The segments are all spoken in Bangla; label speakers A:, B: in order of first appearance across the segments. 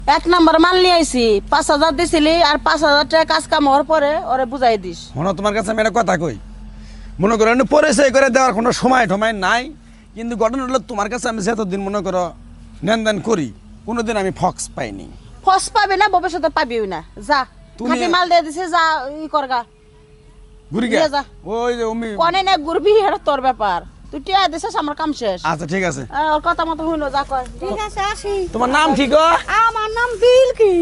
A: এক নাম্বার মাল নিয়ে আইছি 5,000 দিছিলি আর 5,000 টাকা কাজ কাম হওয়ার পরে ওরে বুঝাই দিস।
B: শোনো তোমার কাছে আমি একটা কথা কই, মনে করো পরিচয় করে দেওয়ার কোনো সময় টময় নাই, কিন্তু ঘটনা হলো তোমার কাছে আমি যতদিন মনে করো লেনদেন করি কোনোদিন আমি ফক্স পাইনি।
A: ফস পাবি না, ভবিষ্যতে পাবিও না। যা খাঁটি মাল দিয়ে দিছে, যা ই করগা
B: ঘুরি
A: নিয়ে যা।
B: ওই যে আমি
A: কনে না ঘুরবি, এটা তোর ব্যাপার। তুই টিয়া দিছিস, আমার কাম শেষ।
B: আচ্ছা ঠিক আছে,
A: ওর কথা মতো হইলো, যা কয়।
C: ঠিক আছে আসি।
B: তোমার নাম ঠিক
C: আমার নাম বিলকি।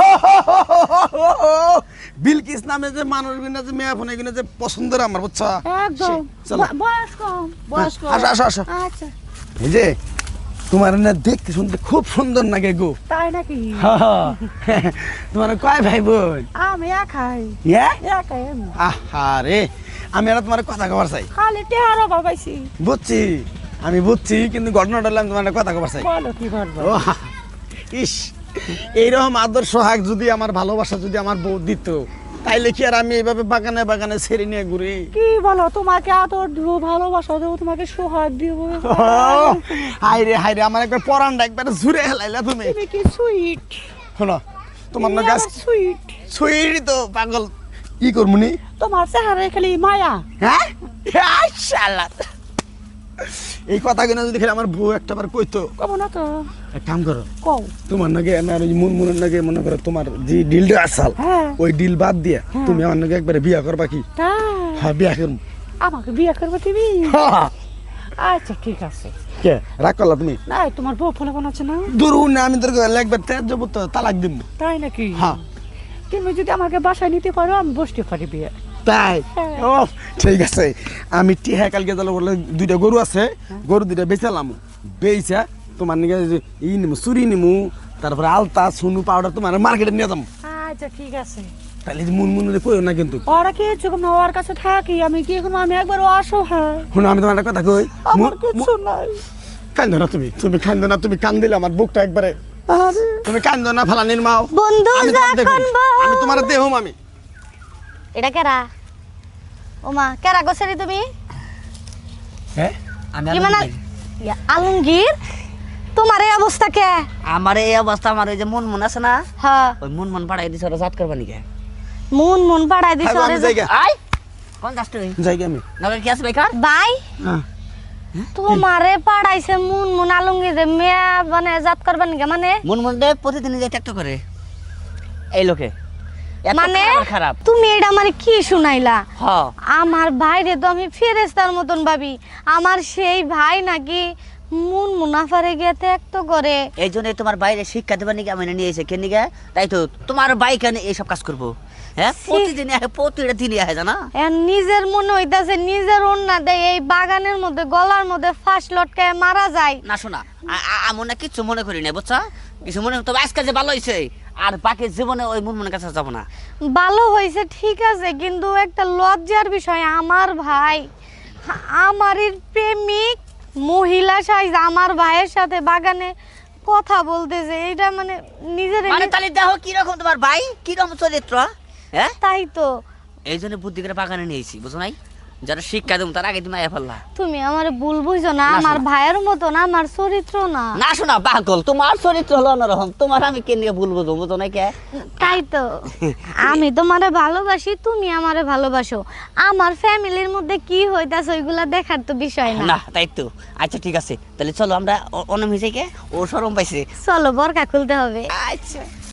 B: বিলকিস নামে যে মানুষ গুলো যে মেয়ে ফোনে গুলো যে পছন্দের আমার, বুঝছো?
C: একদম
B: চলো।
C: বয়স কম।
A: বয়স কম।
B: আসো আসো আসো।
C: আচ্ছা
B: এই যে তোমার না দেখতে শুনতে খুব সুন্দর লাগে গো।
C: তাই নাকি?
B: তোমার কয় ভাই বোন?
C: আমি একাই।
B: হ্যাঁ
C: একাই আমি।
B: আহারে, আমি আর তোমার কথা কবার চাই।
C: খালি টেহারো বাবাইছি।
B: বুঝছি, আমি বুঝছি, কিন্তু ঘটনাটা হলো আমি তোমার একটা কথা কবার চাই।
C: বলো কি করবো?
B: ও ইস, এইরকম আদর্শ হাক যদি আমার ভালোবাসা যদি আমার বউ দিত, তাইলে কি আর আমি এইভাবে বাগানে বাগানে ছেড়ে নিয়ে ঘুরি?
C: কি বলো, তোমাকে আদর দিব, ভালোবাসা দেবো, তোমাকে সোহাগ দিব।
B: হাইরে আমার একবার পরানটা একবার জুড়ে হেলাইলা তুমি।
C: তুমি কি সুইট।
B: শোনো, তোমার না গাছ
C: সুইট।
B: সুইরি তো পাগল, কি করমুনি?
C: তোমার চেহারায় খালি মায়া।
B: হ্যাঁ শালা, এই কথাগুলো যদি খেলে আমার বউ একটা বার কইতো।
C: কব না তো।
B: এক কাম করো,
C: কও।
B: তোমার নাকি আমার ওই মুনমুনের নাকি মনে করো তোমার যে ডিলটা আসাল,
C: হ্যাঁ।
B: ওই ডিল বাদ দিয়ে
C: হ্যাঁ।
B: তুমি আমার নাকি একবারে বিয়া করবা কি?
C: তাই
B: হ্যাঁ বিয়া করবো।
C: আমাকে বিয়ে করবে তুমি? আচ্ছা ঠিক আছে।
B: কে রাগ করলা তুমি?
C: না তোমার বউ ফোনে বানাচ্ছে না?
B: দূর না, আমি তোর একবার তেজ যাবো তো তালাক দিব।
C: তাই নাকি?
B: হ্যাঁ।
C: তুমি যদি আমাকে বাসায় নিতে পারো আমি বসতে পারি বিয়ে।
B: তাই?
C: হ্যাঁ।
B: ও ঠিক আছে, আমি টিহা কালকে তাহলে বলে দুইটা গরু আছে, গরু দুইটা বেচালাম, বেচা তোমার নিকে ই নিমু, চুরি নিমু, তারপরে আলতা সুনু পাউডার তোমার মার্কেটে নিয়ে যাবো।
C: আচ্ছা ঠিক আছে।
B: তাহলে মুনমুনে কইও না কিন্তু।
C: ওরা কি চুকুম না, ওর কাছে থাকি আমি, কি এখন আমি একবার অসহায়।
B: শুনো, আমি তোমার একটা কথা কই,
C: আমার কিছু নাই।
B: কান্দো না তুমি, তুমি কান্দো না, তুমি কান দিলে আমার বুকটা একবারে।
C: আরে
B: তুমি কান্দো না, ফালা নির্মাও
C: বন্ধু যখন
B: আমি তোমার দেহম আমি।
C: এটা কেরা? ওমা কেরা গোছারি তুমি?
B: হ্যাঁ
C: কি মানে আলমগীর, তোমার এই অবস্থা কে?
D: আমার এই অবস্থা, আমার ওই যে মন আছে না,
C: হ্যাঁ
D: ওই মন পাড়াই দিছে ওরা জাত করবা নিকে।
C: মন পাড়াই দিছ
B: আমি জায়গা
D: আই কোন যাস তুই?
B: জায়গা আমি
D: নগর কি আছে বেকার?
C: ভাই
B: হ্যাঁ।
C: তোমারে পাড়াইছে মন আলমগীর মেয়া মানে জাত করবা নিকে মানে?
D: মন দে প্রতিদিন যে ট্যাক্ট করে এই লোকে, এত
C: মানে
D: খারাপ।
C: তুমি এটা মানে কি শুনাইলা?
D: হ
C: আমার ভাইরে তো আমি ফেরেশতার মতন ভাবি, আমার সেই ভাই নাকি মুনাফারে গিয়ে ত্যাক্ত করে।
D: এই জন্যই তোমার বাইরে শিক্ষা দেবার নিকে আমি নিয়ে এসে কেন নিকে, তাই তো তোমার ভাই কেন এইসব কাজ করবো? হ্যাঁ প্রতিদিন প্রতিটা দিনই আসে জানা।
C: নিজের মনে হইতাছে নিজের অন্যা দেয় এই বাগানের মধ্যে গলার মধ্যে ফাঁস লটকায় মারা যায়।
D: না শোনা, আমি না কিছু মনে করি না, বুঝছা? কিছু মনে, তবে আজকাল যে ভালো হয়েছে, আর বাকি জীবনে ওই মনের কাছে যাবো না।
C: ভালো হয়েছে ঠিক আছে, কিন্তু একটা লজ্জার বিষয়, আমার ভাই আমারই প্রেমিক মহিলা সাইজ আমার ভাইয়ের সাথে বাগানে কথা বলতেছে, এটা মানে নিজের
D: মানে তাহলে দেখো কিরকম তোমার ভাই, কিরকম চরিত্র। হ্যাঁ
C: তাই তো।
D: এই জন্য বুদ্ধি করে বাগানে নিয়েছি, বুঝো নাই? যারা শিক্ষা দেবো তার আগে তুমি আয়া ফেললা।
C: তুমি আমার ভুল বুঝো না,
D: না
C: আমার
D: শোনা।
C: ভাইয়ের মতো না, আমার চরিত্র না।
D: না শোনা পাগল, তোমার চরিত্র হলো অন্যরকম, তোমার আমি কে নিয়ে ভুল বুঝবো, বুঝো নাই কে?
C: তাই তো, আমি তোমারে ভালোবাসি, তুমি আমারে ভালোবাসো, আমার ফ্যামিলির মধ্যে কি হইতাছে ওইগুলা দেখার তো বিষয় না।
D: না তাই তো। আচ্ছা ঠিক আছে, তাহলে চলো আমরা অনম হিসেবে ও শরম পাইছে।
C: চলো বরকা খুলতে হবে।
D: আচ্ছা।